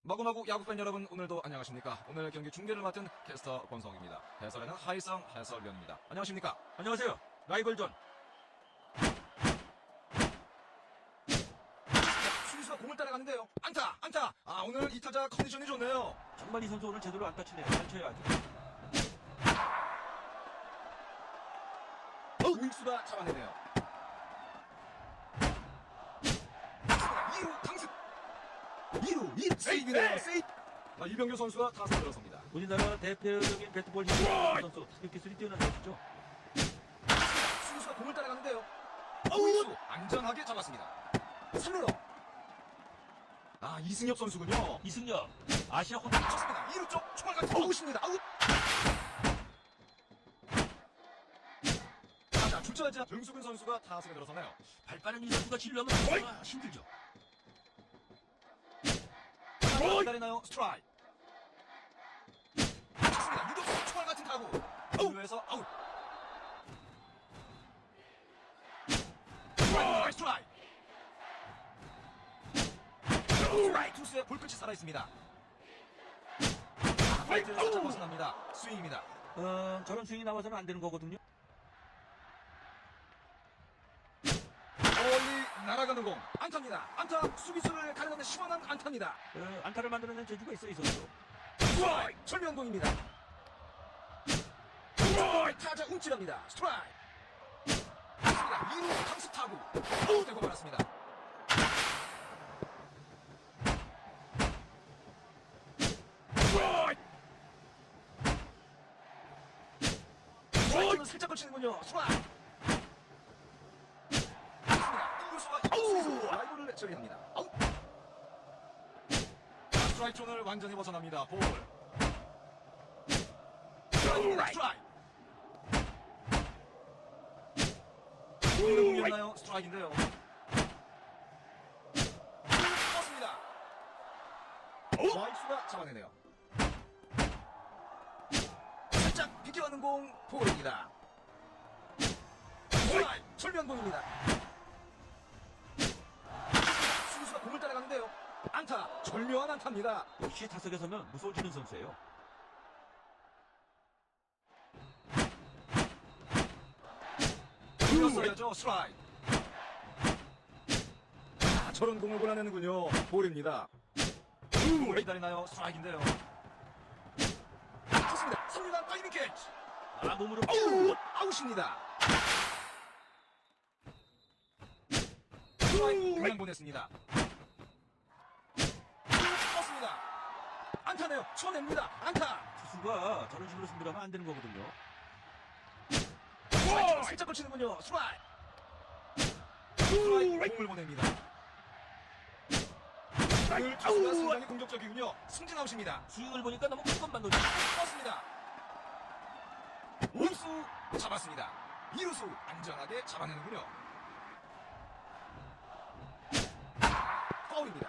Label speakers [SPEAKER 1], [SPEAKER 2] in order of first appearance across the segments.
[SPEAKER 1] 마구마구 야구팬 여러분, 오늘도 안녕하십니까? 오늘 경기 중계를 맡은 캐스터 권성입니다. 해설에는 하이성 해설위원입니다. 안녕하십니까?
[SPEAKER 2] 안녕하세요. 라이벌전.
[SPEAKER 1] 수비수가 공을 따라가는데요. 안타! 오늘 이 타자 컨디션이 좋네요.
[SPEAKER 2] 정말 이 선수 오늘 제대로 안 다치네요. 잘 쳐야죠.
[SPEAKER 1] 우익수가 잡아내네요. 2루 강습! 2루 세이브네요. 세이브! 이병규 선수가 타선에 들어섭니다.
[SPEAKER 2] 우리나라 대표적인 배트볼 힘 선수, 타격 기술이 뛰어난 선수죠.
[SPEAKER 1] 수비수가 공을 따라가는데요. 우익수 안전하게 잡았습니다. 3루로. 이승엽 선수군요.
[SPEAKER 2] 이승엽, 아시아 호텔
[SPEAKER 1] 쳤습니다. 2루 쪽 총알 같은 아웃입니다. 아웃! 자, 출전하자 정수근 선수가 타석에 들어서네요.
[SPEAKER 2] 발 빠른 이 선수가 진루하면 정말 힘들죠.
[SPEAKER 1] 기다리나요? 스트라이크. 쳤습니다. 유격수 총알 같은 타구. 2루에서 아웃. 스트라이크. 스트라이크 투수의 볼끝이 살아있습니다. 파이트를 살짝 벗어납니다. 스윙입니다.
[SPEAKER 2] 저런 스윙이 나와서는 안 되는 거거든요.
[SPEAKER 1] 멀리 날아가는 공. 안타입니다. 안타. 수비수를 가려는 시원한 안타입니다.
[SPEAKER 2] 안타를 만들어낸 재주가 있어 이 선수.
[SPEAKER 1] 스트라이크. 철면공입니다. 스트라이크. 타자 움찔합니다. 스트라이크. 2루 강습 타구. 아웃되고 말았습니다. 스트라이크는 살짝 걸치는군요. 스트라이크. 1루수가 라이브를 처리합니다. 아웃. 스트라이크 존을 완전히 벗어납니다. 볼. 스트라이크. 공이었나요? 스트라이크인데요. 떴습니다. 와이수가 잡아내네요. 살짝 비껴가는 공 볼입니다. 스트라이크. 철면공입니다. 수비수가 공을 따라가는데요. 안타. 절묘한 안타입니다.
[SPEAKER 2] 역시 타석에 서면 무서워지는 선수예요.
[SPEAKER 1] 돌렸어야죠. 스트라이크. 저런 공을 골라내는군요. 볼입니다. 오래 기다리나요? 스트라이크인데요. 좋습니다. 3루간 타이밍 캐치.
[SPEAKER 2] 몸으로
[SPEAKER 1] 아웃입니다. 스트라이크 그냥 보냈습니다. 떴습니다. 안타네요. 쳐냅니다. 안타.
[SPEAKER 2] 투수가 저런 식으로 승부를 하면 안 되는 거거든요.
[SPEAKER 1] 스트라이크로 살짝 걸치는군요. 스트라이크. 스트라이크 공을 보냅니다. 오늘 투수가 상당히 공격적이군요. 승진 아웃입니다.
[SPEAKER 2] 스윙을 보니까 너무 큰 것만 놓쳐.
[SPEAKER 1] 떴습니다. 우수 잡았습니다. 2루수 안전하게 잡아내는군요. 파울입니다.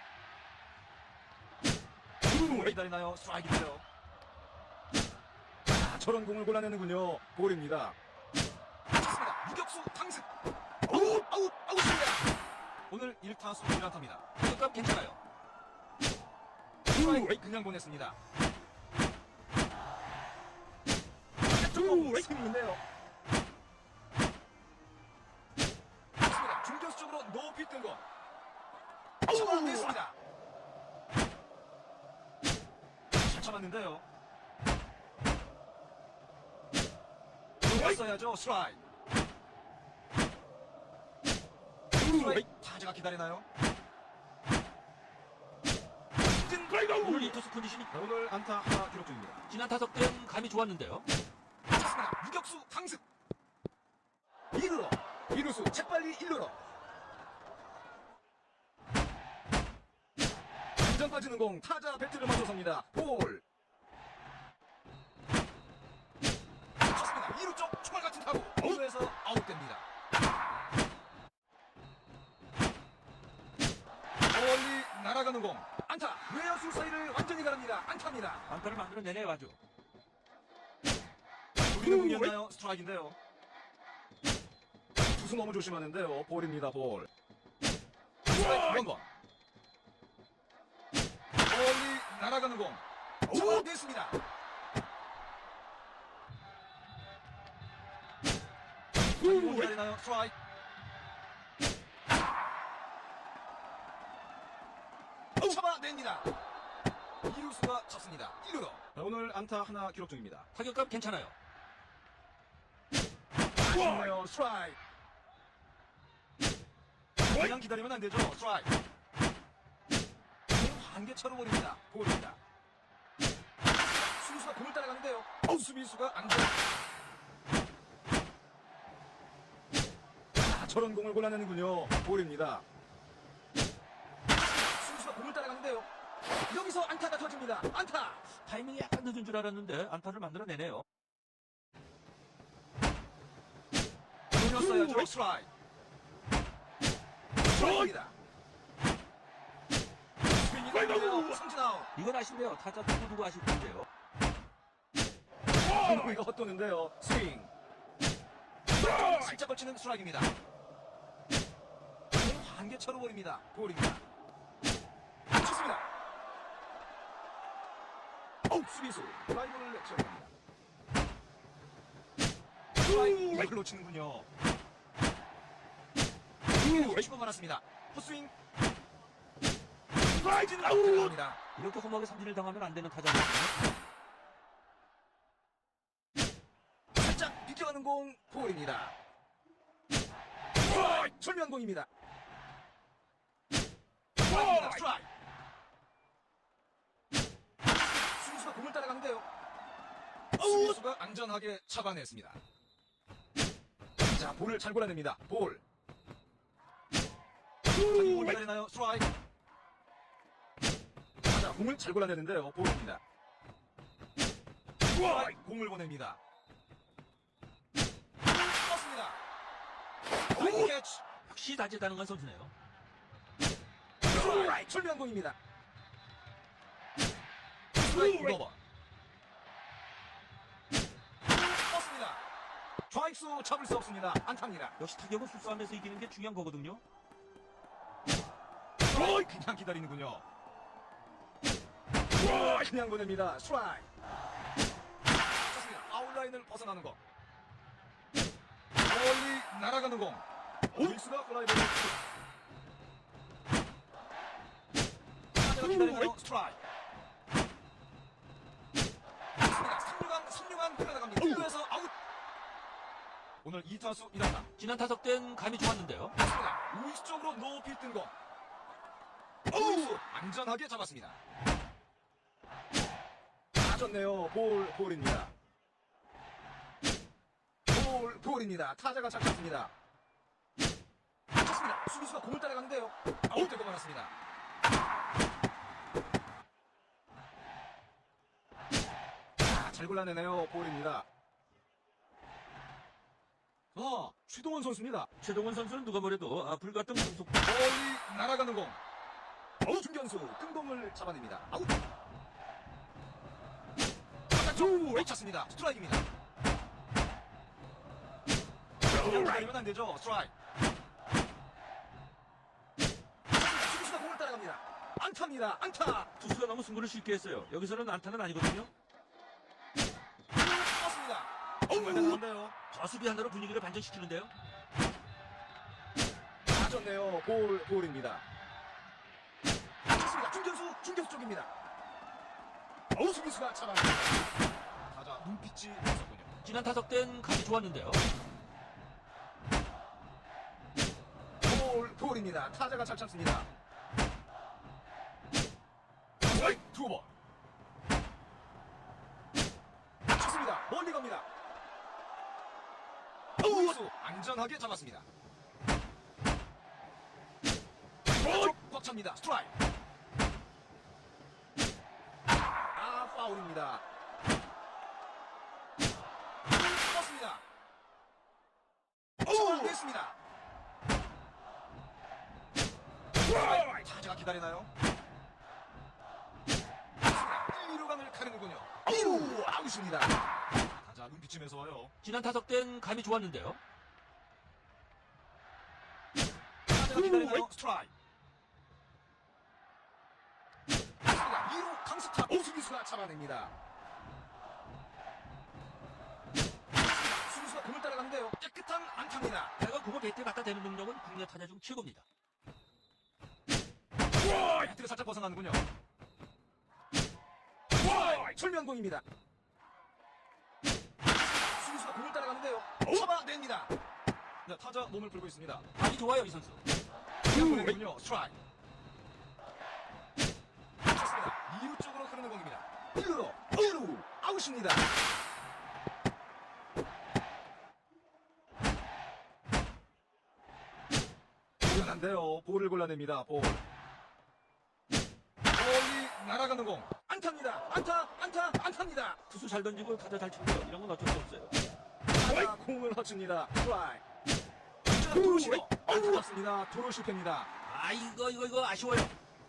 [SPEAKER 1] 오래 기다리나요? 스트라이크인데요. 저런 공을 골라내는군요. 볼입니다. 좋습니다. 유격수 강습. 아웃입니다. 오늘 1타수 1안타입니다. 타격감 괜찮아요. 스트라이크 그냥 보냈습니다. 조금 스윙인데요. 좋습니다. 중견수 쪽으로 높이 뜬 거. 잡아냈습니다. 잡았는데요. 들어갔어야죠. 스트라이크. 타자가 기다리나요?
[SPEAKER 2] 오늘 이 투수 컨디션이
[SPEAKER 1] 오늘 안타 하나 기록 중입니다.
[SPEAKER 2] 지난 타석 때는 감이 좋았는데요.
[SPEAKER 1] 좋습니다. 유격수 강습. 2루로. 2루수 재빨리 1루로. 완전 빠지는 공. 타자 배트를 맞춰섭니다. 볼. 좋습니다. 2루 쪽 총알 같은 타구. 2루에서 아웃됩니다. 멀리 날아가는 공. 안타. 외야수 사이를 완전히 가릅니다. 안타입니다.
[SPEAKER 2] 안타를 만들어내네요 아주.
[SPEAKER 1] 우리는 공이었나요? 스트라이크인데요. 투수 너무 조심하는데요. 볼입니다. 볼. 스트라이크 1번. 멀리 날아가는 공. 잡아냈습니다. 공 기다리나요? 스트라이크. 잡아냅니다. 이루수가 쳤습니다. 1루로. 오늘 안타 하나 기록 중입니다.
[SPEAKER 2] 타격감 괜찮아요.
[SPEAKER 1] 아쉽네요. 스트라이크. 그냥 기다리면 안 되죠. 스트라이크. 한개차로 버립니다. 볼입니다. 수비수가 공을 따라가는데요. 수비수가 안 돼요. 저런 공을 골라내는군요. 볼입니다. 수비수가 공을 따라가는데요. 여기서 안타가 터집니다. 안타.
[SPEAKER 2] 타이밍이 약간 늦은 줄 알았는데 안타를 만들어내네요.
[SPEAKER 1] 돌렸어야죠. 스트라이크. 스트라이크입니다. 스윙이 삼진 아웃.
[SPEAKER 2] 이건 아쉽네요. 타자 누구 아실 텐데요.
[SPEAKER 1] 공이가 헛도는데요. 스윙. 살짝 걸치는 스트라이크입니다. 한개차로 버립니다. 볼입니다. 쳤습니다. 수비수 드라이브를 제압합니다. 스트라이크 놓치는군요. 치고 말았습니다. 헛스윙. 스트라이크는 들어갑니다.
[SPEAKER 2] 이렇게 험하게 삼진을 당하면 안 되는 타자거든요.
[SPEAKER 1] 살짝 비껴가는 공 볼입니다. 스트라이크 절묘한 공입니다. 스트라이크입니다. 스트라이크. 수비수가 공을 따라가는데요. 수비수가 안전하게 잡아냈습니다. 자, 볼을 잘 골라냅니다. 볼. 볼 기다리나요? 스트라이크. 자, 공을 잘 골라내는데요. 볼입니다. 스트라이크. 공을 보냅니다. 떴습니다. 라이트 캐치.
[SPEAKER 2] 역시 다재다능한 선수네요.
[SPEAKER 1] 스트라이크. 절묘한 공입니다. 스트라이크 오버. 떴습니다. 좌익수 잡을 수 없습니다. 안타입니다.
[SPEAKER 2] 역시 타격은 수수하면서 이기는 게 중요한 거거든요.
[SPEAKER 1] 그냥 기다리는군요. 그냥 보냅니다. 스트라이크. 좋습니다. 아웃라인을 벗어나는 거. 멀리 날아가는 공. 윌스가 플라이볼을 기다리나요? 스트라이크. 좋습니다. 3루간 흘러나갑니다. 1루에서 아웃. 오늘 2타수 1안타.
[SPEAKER 2] 지난 타석 땐 감이 좋았는데요.
[SPEAKER 1] 좋습니다. 우익수 쪽으로 높이 뜬 공. 우익수 안전하게 잡았습니다. 맞았네요. 볼입니다. 볼입니다. 타자가 잘 쳤습니다. 좋습니다. 수비수가 공을 따라가는데요. 아웃되고 말았습니다. 잘 골라내네요. 볼입니다. 최동원 선수입니다.
[SPEAKER 2] 최동원 선수는 누가 뭐래도 불같은 공속.
[SPEAKER 1] 멀리 날아가는 공. 중견수 뜬공을 잡아냅니다. 아웃. 쭉 쳤습니다. 스트라이크입니다. 그냥 기다리면 안 되죠. 스트라이크. 수비수가 공을 따라갑니다. 안타입니다. 안타.
[SPEAKER 2] 투수가 너무 승부를 쉽게 했어요. 여기서는 안타는 아니거든요.
[SPEAKER 1] 떴습니다. 정말 대단한데요.
[SPEAKER 2] 저 수비 하나로 분위기를 반전시키는데요.
[SPEAKER 1] 맞았네요. 볼입니다. 좋습니다. 중견수 쪽입니다. 수비수가 잡아냅니다. 타자 눈빛이 있었군요.
[SPEAKER 2] 지난 타석 땐 감이 좋았는데요.
[SPEAKER 1] 볼입니다. 타자가 잘 참습니다. 스트라이크 2번. 좋습니다. 멀리 갑니다. 우수 안전하게 잡았습니다. 꽉 찹니다. 스트라이크. 파울입니다. 떴습니다. 잡아냈습니다. 타자가 기다리나요? 1, 2루간을 가르는군요. 2루 아웃입니다. 타자 눈빛이 매서워요.
[SPEAKER 2] 지난 타석 땐 감이 좋았는데요.
[SPEAKER 1] 타자가 기다리나요? 스트라이크. 2루 수비수가 잡아냅니다. 수비수가 공을 따라가는데요. 깨끗한 안타입니다.
[SPEAKER 2] 내가 그거 배트에 갖다 대는 능력은 국내 타자 중 최고입니다.
[SPEAKER 1] 배트가 살짝 벗어나는군요. 철면공입니다. 수비수가 공을 따라가는데요. 잡아냅니다. 네, 타자 몸을 풀고 있습니다.
[SPEAKER 2] 아주 좋아요, 이 선수.
[SPEAKER 1] 보내군요. 스트라이크. 좋습니다. 2루 쪽으로 흐르는 공입니다. 1루로 아웃입니다. 불안한데요. 볼을 골라냅니다. 볼이 날아가는 공. 안타입니다. 안타입니다.
[SPEAKER 2] 투수 잘 던지고 타자 잘 치고요. 이런 건 어쩔 수 없어요.
[SPEAKER 1] 타자 공을 허줍니다. 스트라이크. 도루 시도 안타깝습니다. 도루 실패입니다.
[SPEAKER 2] 아, 이거 아쉬워요.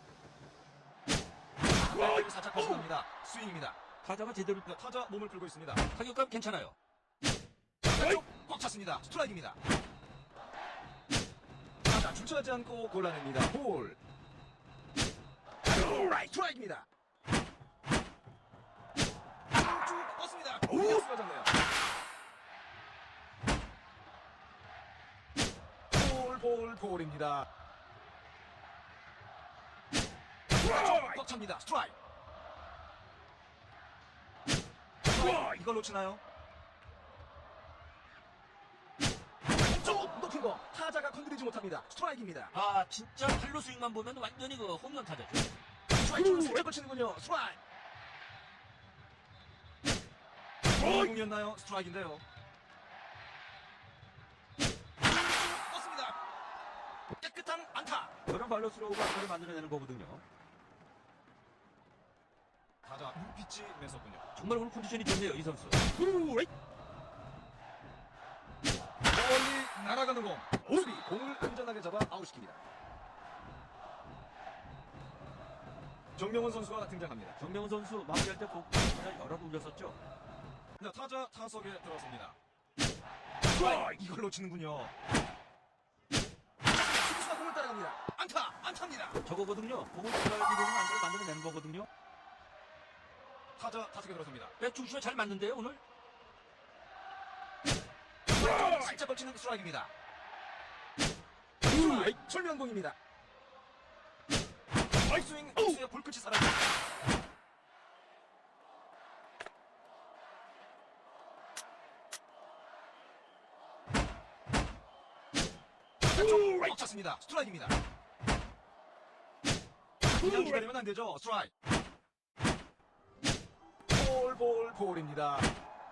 [SPEAKER 1] 살짝 벗어납니다. 스윙입니다.
[SPEAKER 2] 타자가 제대로
[SPEAKER 1] 타자 몸을 풀고 있습니다.
[SPEAKER 2] 타격감 괜찮아요.
[SPEAKER 1] 왼쪽 꽉 찼습니다. 스트라이크입니다. 타자 출처하지 않고 골라냅니다. 볼. 스트라이크입니다. 쭉 뻗습니다. 오히려 쓰러졌네요. 볼입니다. 꽉 찹니다. 스트라이크. 이걸 놓치나요? 쪽 높은 거 타자가 건드리지 못합니다. 스트라이크입니다.
[SPEAKER 2] 아, 진짜 팔로 스윙만 보면 완전히 그 홈런 타자죠.
[SPEAKER 1] 스트라이크를 살짝 거치는군요. 스트라이크. 공이었나요? 스트라이크인데요. 떴습니다. 깨끗한 안타.
[SPEAKER 2] 저런 발로 스로우가 안타를 만들어내는 거거든요.
[SPEAKER 1] 타자 눈빛이 매섭군요.
[SPEAKER 2] 정말 오늘 컨디션이 좋네요, 이 선수.
[SPEAKER 1] 멀리 날아가는 공. 수비 공을 안전하게 잡아 아웃시킵니다. 정명훈 선수가 등장합니다.
[SPEAKER 2] 정명훈 선수 마무리할 때 꼭 여러 번 올렸었죠.
[SPEAKER 1] 네, 타자 타석에 들어섭니다. 이걸 놓치는군요. 수비수가 공을 따라갑니다. 안타입니다.
[SPEAKER 2] 저거거든요. 공을 들어야지 되는 안타를 만들어내는 거거든요.
[SPEAKER 1] 타자 타석에 들어섭니다.
[SPEAKER 2] 백중심에 잘 맞는데요, 오늘?
[SPEAKER 1] 살짝 걸치는 스트라이크입니다. 스트라이크 철면공입니다. 스윙 투수의 볼끝이 살아있습니다. 꽉 찼습니다. 스트라이크입니다. 그냥 기다리면 안 되죠. 스트라이크. 볼입니다.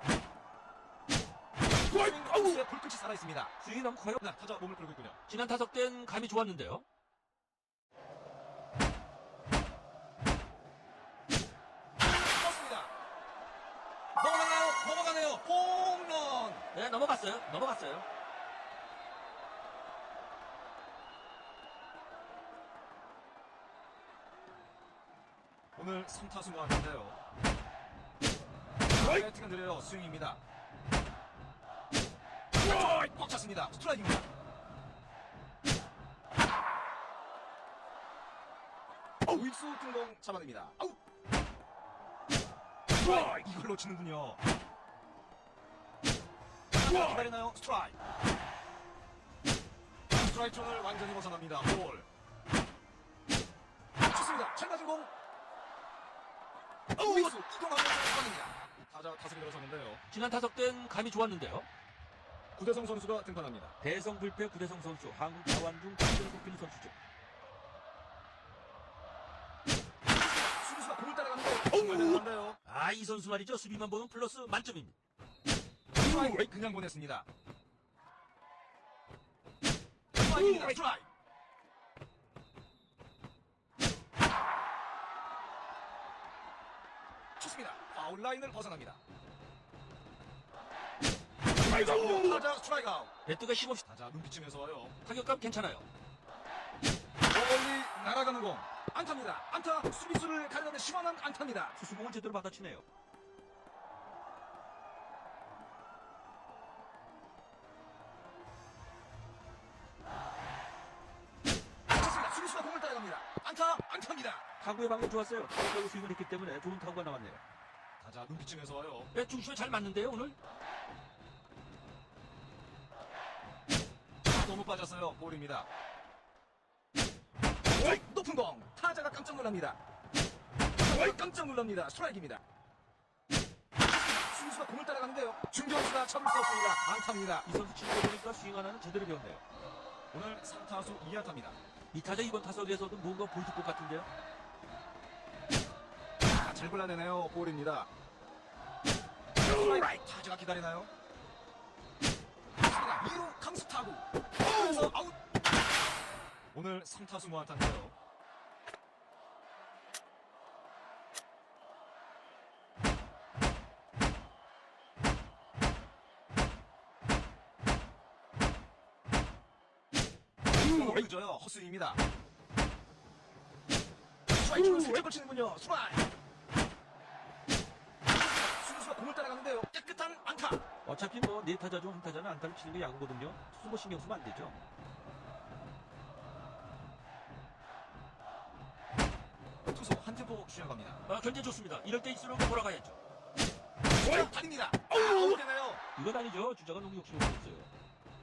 [SPEAKER 1] 스윙 투수의 볼끝이 살아있습니다.
[SPEAKER 2] 스윙이 너무 커요.
[SPEAKER 1] 네, 타자 몸을 풀고 있군요.
[SPEAKER 2] 지난 타석 땐 감이 좋았는데요.
[SPEAKER 1] 떴습니다. 넘어가네요. 홈런.
[SPEAKER 2] 네, 넘어갔어요.
[SPEAKER 1] 오늘 3타수 모았는데요. 배트가 느려요. 스윙입니다. 꽉 찼습니다. 스트라이크입니다. 우익수 등공 잡아냅니다. 아웃. 이걸 놓치는군요. 기다리나요? 스트라이크. 스트라이크 존을 완전히 벗어납니다. 볼. 좋습니다. 잘 맞은 공. 우익수 이동하면서 잡아냅니다. 타자 타석에 들어섰는데요.
[SPEAKER 2] 지난 타석 땐 감이 좋았는데요.
[SPEAKER 1] 구대성 선수가 등판합니다.
[SPEAKER 2] 대성 불패 구대성 선수, 한국 자완 중 최고로 꼽히는 선수죠.
[SPEAKER 1] 수비수가 공을 따라가는데 정말 대단한데요.
[SPEAKER 2] 아, 이 선수 말이죠. 수비만 보면 플러스 만점입니다.
[SPEAKER 1] 스트라이크 그냥 보냈습니다. 스트라이크입니다. 스트라이크. 좋습니다. 파울 라인을 벗어납니다. 타자 스트라이크 아웃.
[SPEAKER 2] 배트가 힘없이
[SPEAKER 1] 타자 눈빛이면서 와요.
[SPEAKER 2] 타격감 괜찮아요.
[SPEAKER 1] 멀리 날아가는 공. 안타입니다. 안타. 수비수를 가려는 시원한 안타입니다.
[SPEAKER 2] 수수공을 제대로 받아치네요.
[SPEAKER 1] 좋습니다. 수비수가 공을 따라갑니다. 안타입니다.
[SPEAKER 2] 타구의 방향이 좋았어요. 타구로 스윙을 했기 때문에 좋은 타구가 나왔네요.
[SPEAKER 1] 타자 눈빛쯤에서 와요.
[SPEAKER 2] 중심에 잘 맞는데요 오늘.
[SPEAKER 1] 너무 빠졌어요. 볼입니다. 높은 공. 타자가 깜짝 놀랍니다. 깜짝 놀랍니다. 스트라이크입니다. 수비수가 공을 따라가는데요. 중견수가 참을 수 없습니다. 안타입니다.
[SPEAKER 2] 이 선수 치는 거 보니까 스윙 하나는 제대로 배웠네요.
[SPEAKER 1] 오늘 3타수 2안타입니다.
[SPEAKER 2] 이 타자 이번 타석에서도 뭔가 보여줄 것 같은데요.
[SPEAKER 1] 잘 골라내네요. 볼입니다. 스트라이크. 타자가 기다리나요? 2루 강수 타구. 그래서 아웃. 오늘 3타수 무안타인데요. 늦어요. 헛스윙입니다. 스트라이크는 살짝 걸치는군요. 스트라이크. 수비수가 공을 따라가는데요. 깨끗한 안타.
[SPEAKER 2] 어차피 뭐 네 타자 중 한 타자는 안타를 치는 게 야구거든요. 투수 뭐 신경 쓰면 안 되죠.
[SPEAKER 1] 투수 한 템포 쉬어갑니다.
[SPEAKER 2] 견제 좋습니다. 이럴 때일수록 돌아가야죠.
[SPEAKER 1] 달립니다. 아웃되나요?
[SPEAKER 2] 이건 아니죠. 주자가 너무 욕심을 부렸어요.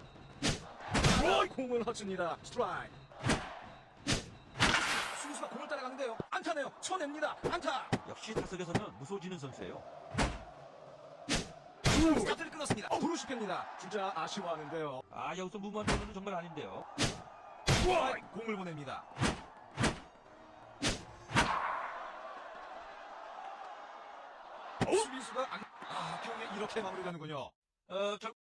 [SPEAKER 1] 공을 허줍니다. 스트라이크. 수비수가 공을 따라가는데요. 안타네요. 쳐냅니다. 안타.
[SPEAKER 2] 역시 타석에서는 무서워지는 선수예요.
[SPEAKER 1] 스타트를 끊었습니다. 브루시입니다. 진짜 아쉬워하는데요.
[SPEAKER 2] 여기서 무모한 변호는 정말 아닌데요.
[SPEAKER 1] 공을 보냅니다. 수비수가 경기 이렇게 마무리되는군요.